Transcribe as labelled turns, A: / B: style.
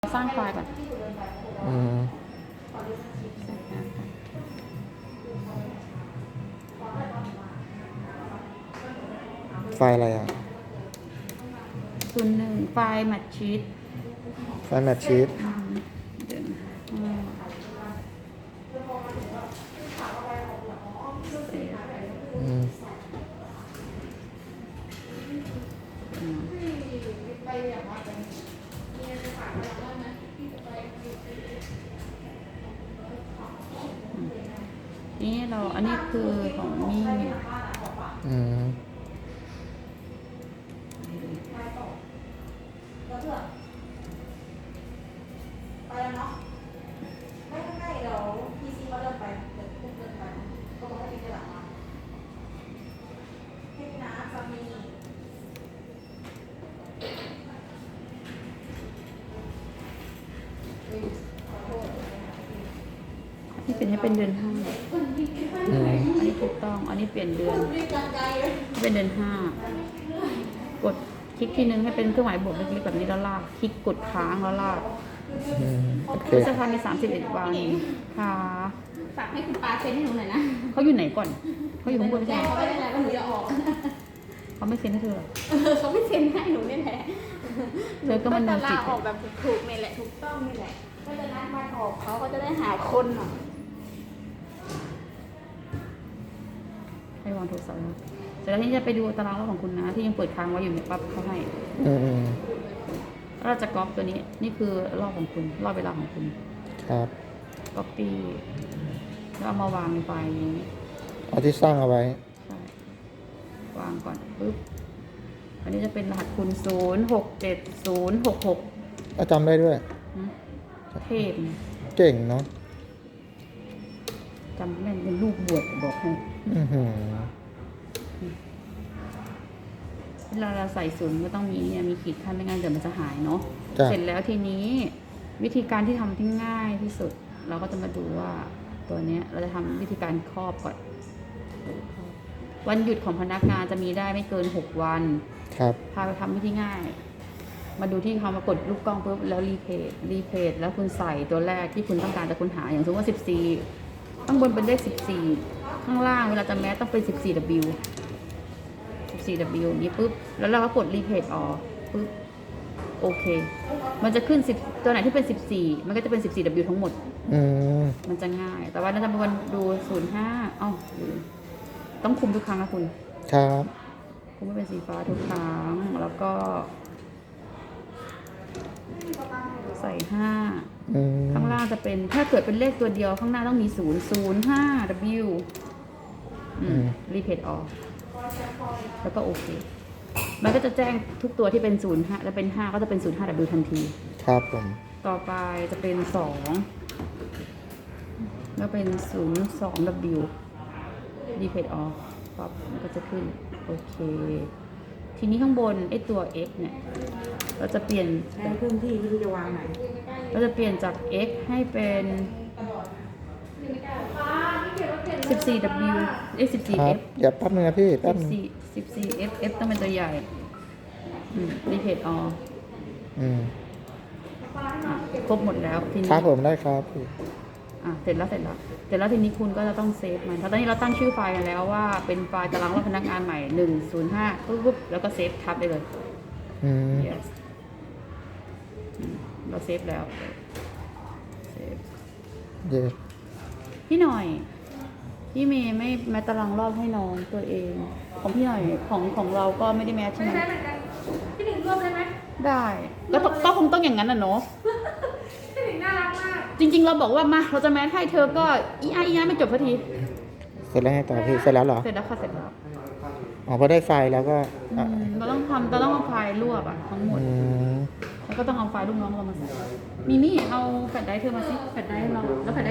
A: สร้างไฟล์ก่อน
B: ไฟล์อะไรอ่ะ
A: 01ไฟล์แมทชีต
B: ไฟล์แมทชีต
A: นี่เราอันนี้คือของมี่
C: ไปแล้วเนาะไม่เดี๋ยวพีซีมาเดินไปเดินไปเขาบอกให้พีจะหลังมาให้พี่นะสามี
A: ที่เป็นให้เป็นเดือน5อันนี้ถูกต้องอันนี้เปลี่ยนเดือนเป็นเดือน5กดคลิกทีนึงให้เป็นเครื่องหมายบวกเล็กๆแบบนี้แล้วลากคลิกกดค้างแล้วลาก
B: โอเค
A: พฤษภามี31 วันค่ะ
C: ฝากให้คุณปาเซ็นให้หนูหน่อยนะ
A: เขาอยู่ไหนก่อนเขาอยู่ข้างบนไม่
C: แจ้
A: ใช่
C: ง
A: เหรอ
C: เขาไม่ได้แล้วว่าหนูจะออก
A: เขาไม่เซ็นให้เธอเหรอ
C: เขาไม่เซ็นให้หนูนี่แหละ
A: เธอก็มัน
C: จะ
A: โน
C: ลา
A: จิต
C: ออกแบบถูกๆนี่แหละถูกต้องนี่แหละก็จะนัดวันออกเขาก็จะได้หาคนหน่อย
A: ให้วางโทรศัพท์นะเสร็จแล้วที่จะไปดูตารางรอบของคุณนะที่ยังเปิดค้างไว้อยู่เนี่ยปั๊บเขาให้แล้วเราจะก๊อปตัวนี้นี่คือรอบของคุณรอบเวลาของคุณ
B: ครับ
A: ก๊อปปี้แล้วเอามาวางในไฟล์นี้
B: เอาที่สร้างเอาไว้
A: ใช่วางก่อนปึ๊บอันนี้จะเป็นรหัสคุณ067066
B: จำได้ด้วย
A: เทพเนี่ย
B: เก่งเนาะ
A: จำแม่นเป็นลูกบวชบอกให้เวลาเราใส่ศูนย์ก็ต้องมีเนี่ยมีขีดขั้นไม่งั้นเดี๋ยวมันจะหายเนาะเสร็จแล้วทีนี้วิธีการที่ทำที่ง่ายที่สุด เราก็จะมาดูว่าตัวเนี้ยเราจะทำวิธีการครอบก่อนวันหยุดของพนักงานจะมีได้ไม่เกิน6 วัน
B: ครับ
A: พาไปทำวิธีง่าย มาดูที่เขามากดลูกกล้องปุ๊บแล้วรีเพจแล้วคุณใส่ตัวแรกที่คุณต้องการจะค้นหาอย่างสมมติว่า14ข้างบนเป็นเลข14ข้างล่างเวลาจะแมสต้องเป็น14W 14W อย่างนี้ปุ๊บแล้วเราก็กดรีเพจออกปุ๊บโอเคมันจะขึ้น10ตัวไหนที่เป็น14มันก็จะเป็น14W ทั้งหมดมันจะง่าย แต่ว่าเราจะมาดู05ต้องคุมทุกครั้งนะคุณ
B: ครับ
A: คุมไม่เป็นสีฟ้าทุกครั้งแล้วก็ใส่5ข้างล่างจะเป็นถ้าเกิดเป็นเลขตัวเดียวข้างหน้าต้องมี005W รีเพจออกแล้วก็โอเคมันก็จะแจ้งทุกตัวที่เป็น05แล้วเป็น5ก็จะเป็น05W ทันที
B: ครับผม
A: ต่อไปจะเป็น2แล้วเป็น02W รีเพจออกปั๊บมันก็จะขึ้นโอเคทีนี้ข้างบนไอ้ตัว x เนี่ยเราจะเปลี่ยน
C: ใช้พื้นที่ไม่รู้จะวางไหน
A: เราจะเปลี่ยนจาก x ให้เป็น 14W
B: ครับ
A: 14F
B: เดี๋ยวแป๊บนึงนะพี่แป๊บนึง
A: 14F F ต้องเป็นตัวใหญ่รีเพจออครบหมดแล้วทีนี้
B: ครับผมได้ครับพี่
A: เสร็จแล้วทีนี้คุณก็จะต้องเซฟมันเพราะตอนนี้เราตั้งชื่อไฟล์กันแล้วว่าเป็นไฟล์ตารางรอบพนักงานใหม่105ปุ๊บแล้วก็เซฟทับได้เลยyes เราเซฟแล้วเซฟพี่หน่อยพี่เมย์ไม่แมทตารางรอบให้น้องตัวเองของพี่หน่อยของเราก็ไม่ได้แมทใช่ไหม
C: พี่หนึ่งร่วมได้ไหม
A: ได้ก็คงต้องอย่างนั้นน่ะเนาะ
C: พี่หนึ่งน่ารักมาก
A: จริงๆเราบอกว่ามาเราจะแมทให้เธอก็อีอาไม่จบสักที
B: เสร็จแล้วไงต่อพี่เสร็จแล้วเหรอ
A: เสร็จแล้วค่ะเสร็จแล้ว
B: พอได้ไฟล์แล้วก็
A: เราต้องเอาไฟล์รวบทั้งหมดแล้วก็ต้องเอาไฟล์ลูกน้องเรามาใส่มีมี่เอาแฟลชไดรฟ์เธอมาสิแฟลชไดรฟ์เราแล้วแฟลช